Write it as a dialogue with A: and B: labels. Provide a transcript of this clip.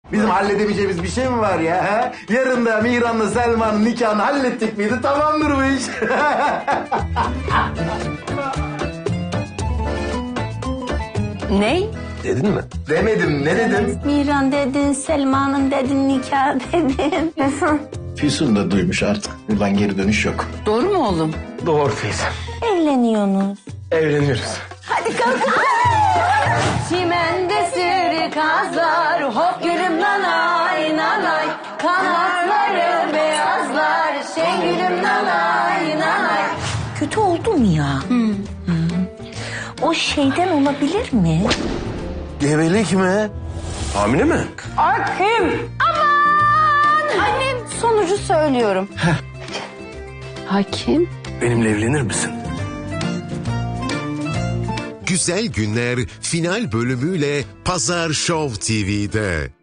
A: Bizim halledemeyeceğimiz bir şey mi var ya? Ha? Yarın da Mihran'la Selma'nın nikahını hallettik miydi? Tamamdır bu iş.
B: Ney?
C: Dedin mi?
A: Demedim, ne dedim?
B: Mihran dedin, Selma'nın dedin, nikah dedin.
A: Füsun da duymuş artık. Buradan geri dönüş yok.
B: Doğru mu oğlum?
C: Doğru teyze.
B: Evleniyorsunuz.
C: Evleniyoruz.
B: Hadi kalk. Çimende sürü kazlar, hop gülüm nanay nanay. Kanatları beyazlar, gülüm nanay nanay. Kötü oldu mu ya? O şeyden olabilir mi?
A: Gebelik mi?
C: Hamile mi?
B: Hakim. Aman. Annem sonucu söylüyorum. Hakim.
C: Benimle evlenir misin?
D: Güzel Günler final bölümüyle Pazar Show TV'de.